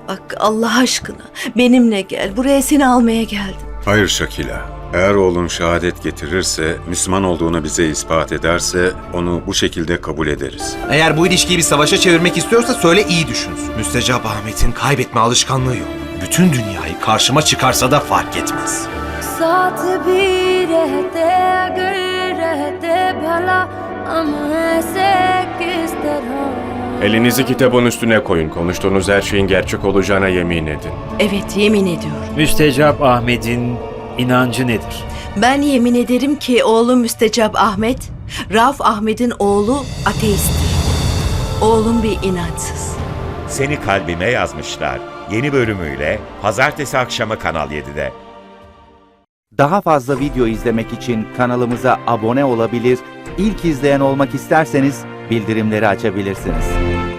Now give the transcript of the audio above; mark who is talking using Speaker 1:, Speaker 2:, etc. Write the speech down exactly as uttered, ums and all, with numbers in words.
Speaker 1: Bak Allah aşkına benimle gel. Buraya seni almaya geldim.
Speaker 2: Hayır Şakila. Eğer oğlun şehadet getirirse, Müslüman olduğunu bize ispat ederse onu bu şekilde kabul ederiz.
Speaker 3: Eğer bu ilişkiyi bir savaşa çevirmek istiyorsa söyle, iyi düşünsün. Müstecap Ahmet'in kaybetme alışkanlığı yok. Bütün dünyayı karşıma çıkarsa da fark etmez.
Speaker 4: साथ भी रहते अगर रहते भला हम ऐसे किस तरह.
Speaker 5: Elinizi kitabın üstüne koyun. Konuştuğunuz her şeyin gerçek olacağına yemin edin.
Speaker 1: Evet yemin ediyorum.
Speaker 6: Müstecap Ahmet'in inancı nedir?
Speaker 1: Ben yemin ederim ki oğlum Müstecap Ahmet, Rauf Ahmet'in oğlu ateisttir. Oğlum bir inançsız.
Speaker 7: Seni Kalbime Yazmışlar yeni bölümüyle pazartesi akşamı Kanal yedide.
Speaker 8: Daha fazla video izlemek için kanalımıza abone olabilir, ilk izleyen olmak isterseniz bildirimleri açabilirsiniz.